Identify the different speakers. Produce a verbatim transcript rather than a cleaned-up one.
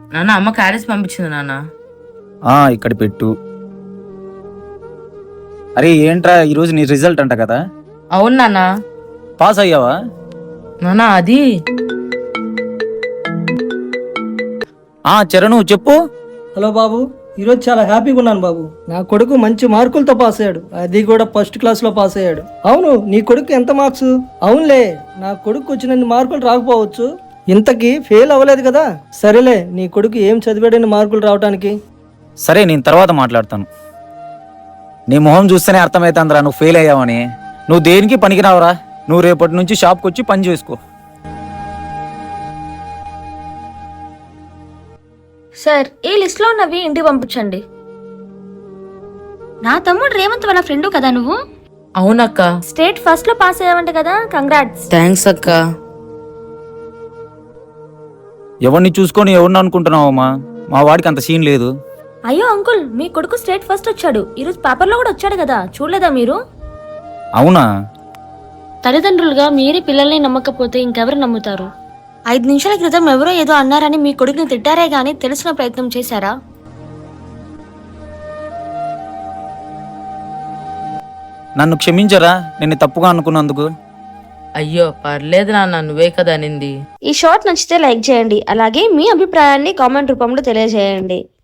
Speaker 1: నాన్న అమ్మ క్యారెట్స్ పంపించింది నాన్న.
Speaker 2: ఆ ఇక్కడ పెట్టు. అరే ఏంట్రా ఈరోజు నీ రిజల్ట్ అంట కదా,
Speaker 1: అవును నాన్న.
Speaker 2: పాస్ అయ్యావా?
Speaker 1: నాన్న అది
Speaker 2: ఆ చరణు చెప్పు.
Speaker 3: హలో బాబు, ఈరోజు చాలా హ్యాపీగా ఉన్నాను బాబు. నా కొడుకు మంచి మార్కులతో పాస్ అయ్యాడు, అది కూడా ఫస్ట్ క్లాస్లో పాస్ అయ్యాడు. అవును, నీ కొడుకు ఎంత మార్క్స్? అవునులే, నా కొడుకు వచ్చినన్ని మార్కులు రాకపోవచ్చు, ఇంతకీ ఫెయిల్ అవ్వలేదు కదా. సరేలే, నీ కొడుకు ఏం చదివాడని మార్కులు రావడానికి?
Speaker 2: సరే నేను తర్వాత మాట్లాడతాను. నీ మొహం చూస్తేనే అర్థమవుతుందిరా నువ్వు ఫెయిల్ అయ్యావని. నువ్వు దేనికి పనికిరావురా. నువ్వు రేపటి నుంచి షాప్కి వచ్చి పని చేసుకో.
Speaker 4: సార్, ఈ లిస్ట్ లో ఉన్నవి ఇంటికి పంపించండి. నా తమ్ముడు రేవంత్ వాళ్ళ ఫ్రెండ్ కదా నువ్వు?
Speaker 1: అవునక్క.
Speaker 4: స్టేట్ ఫస్ట్ లో పాస్ అయ్యావంట కదా, కంగ్రాట్స్.
Speaker 1: థ్యాంక్స్ అక్క.
Speaker 2: ఎవరిని చూసుకొని ఎవరిని అనుకుంటున్నావమ్మా? మా వాడికి అంత సీన్ లేదు.
Speaker 4: అయ్యో అంకుల్, మీ కొడుకు స్టేట్ ఫస్ట్ వచ్చాడు, ఈరోజు పేపర్ లో కూడా వచ్చాడు కదా, చూడలేదా మీరు?
Speaker 2: అవునా?
Speaker 4: తల్లిదండ్రులుగా మీరే పిల్లల్ని నమ్మకపోతే ఇంకెవరు నమ్ముతారు? ఐదు నిమిషాల క్రితం ఎవరో ఏదో అన్నారని మీ కొడుకుని తిట్టారే గానీ తెలిసిన ప్రయత్నం చేశారా?
Speaker 2: నన్ను క్షమించరా నేను తప్పుగా అనుకున్నందుకు.
Speaker 1: అయ్యో పర్లేదు నాన్న, నువ్వే కదా అనింది.
Speaker 4: ఈ షార్ట్ నచ్చితే లైక్ చేయండి, అలాగే మీ అభిప్రాయాన్ని కామెంట్ రూపంలో తెలియజేయండి.